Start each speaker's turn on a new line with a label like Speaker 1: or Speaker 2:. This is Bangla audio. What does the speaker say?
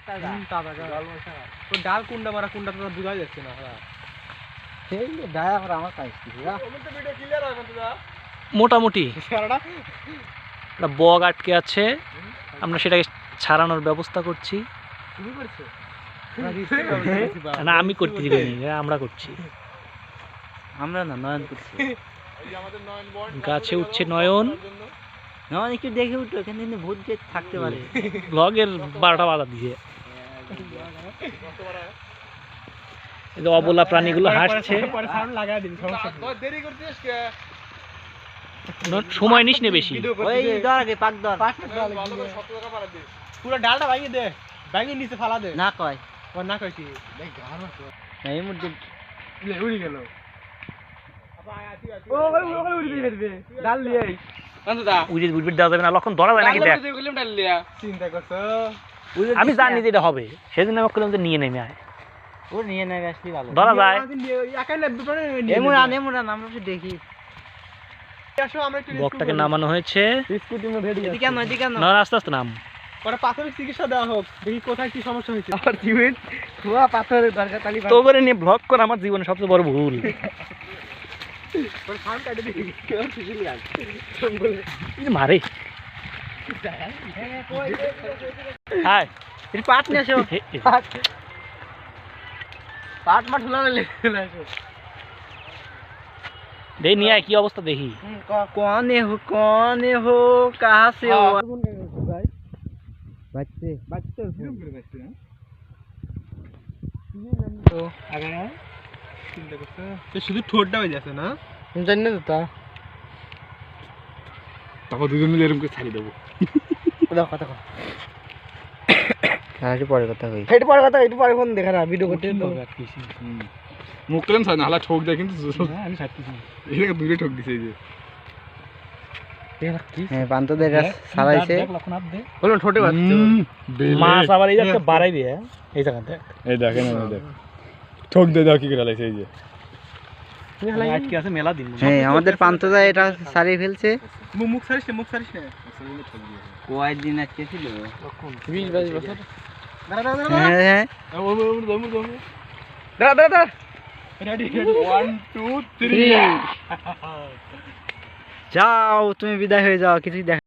Speaker 1: ডাল কুন্ডা মারা কুন্ডা তো বুঝা যাচ্ছে না সেই ডায়া আর আমার পাইছি
Speaker 2: মোটামুটি একটা বগ আটকে আছে, আমরা সেটাকে ছাড়ানোর ব্যবস্থা করছি। না আমি করতে দিবেনি, আমরা করছি।
Speaker 1: আমরা না নয়ন করছি।
Speaker 2: গাছে উঠছে নয়ন।
Speaker 1: নয়ন একটু দেখে উঠো, এখানে কিন্তু ভূত যে থাকতে পারে।
Speaker 2: ব্লগের 12টা বাধা দিয়ে অবলা প্রাণীগুলো হাসছে। সময় নিস নে বেশি।
Speaker 1: পুরো ডালটা ভাঙিয়ে দে, ভাঙিয়ে নিচে ফালা দে।
Speaker 3: না কয়
Speaker 1: না কয় কি
Speaker 3: এই মুহূর্তে
Speaker 1: উড়ি গেল। ডাল লিয়ে
Speaker 2: লক্ষণ ধরা যায় নাকি দেখ।
Speaker 1: চিন্তা করছো?
Speaker 2: আমি জানি যে এটা হবে, সেদিন আমি বললাম যে নিয়ে নেমে আয়,
Speaker 3: ও নিয়ে নেবে আসলে ভালো।
Speaker 2: ধরা যায়।
Speaker 3: এমন আমরা একটু দেখি।
Speaker 2: বকটাকে নামানো হয়েছে।
Speaker 3: এদিকে কেন এদিকে কেন?
Speaker 2: না আস্তে আস্তে নাম।
Speaker 1: ওরা প্রাথমিক চিকিৎসা দেওয়া হোক, দেখি কোথায় কি সমস্যা হয়েছে।
Speaker 3: আমার জীবন খোয়া পাথরের দরকার তালি
Speaker 2: তো করে নিয়ে ব্লগ করা আমার জীবনে সবচেয়ে বড় ভুল। মারে হাই
Speaker 3: পাট নিয়ে আসো। পাট মাঠ
Speaker 2: দেখি নিয়ে আয় কি অবস্থা দেখি।
Speaker 3: कौन हो कहाँ से हो? बच्चे
Speaker 1: তো আগে চিন্তা করছো তো শুধু ঠোঁটটা হয়ে যাচ্ছে না?
Speaker 3: জানি না তো
Speaker 1: তারপর দুজন মিলে এরকম করে ছাড়ি দেবো।
Speaker 3: কথা কর। একটু পরে কথা কই। একটু পরে ফোন দেখা না ভিডিও করতে তো।
Speaker 1: মুখ কেন ছাড় না, হালা ঠোক দেয় কিন্তু আমি ছাড়তেছি। এটাকে দূরে ঠোক দিছে এই যে।
Speaker 3: হ্যাঁ পান্তদের গাছ ছাড়াইছে।
Speaker 1: বলো ঠোঁটে বাচ্চা।
Speaker 2: মাছ আবার এই একটা বাড়াই দিয়ে এই জায়গাতে।
Speaker 1: এই দেখেন এই দেখ। ঠোক দিয়ে দাও কি করে লাইছে এই যে।
Speaker 2: আজকে আছে মেলা দিন।
Speaker 3: হ্যাঁ আমাদের পান্তদা এটা ছাড়িয়ে ফেলছে।
Speaker 1: মুখ ছাড়িস না।
Speaker 3: কয়দিন আজকে ছিল?
Speaker 1: 20-22 বছর।
Speaker 3: হ্যাঁ
Speaker 1: দাঁড়া। রেডি 1 2 3
Speaker 3: যাও তুমি বিদায় হয়ে যাও, কিছুই দেখা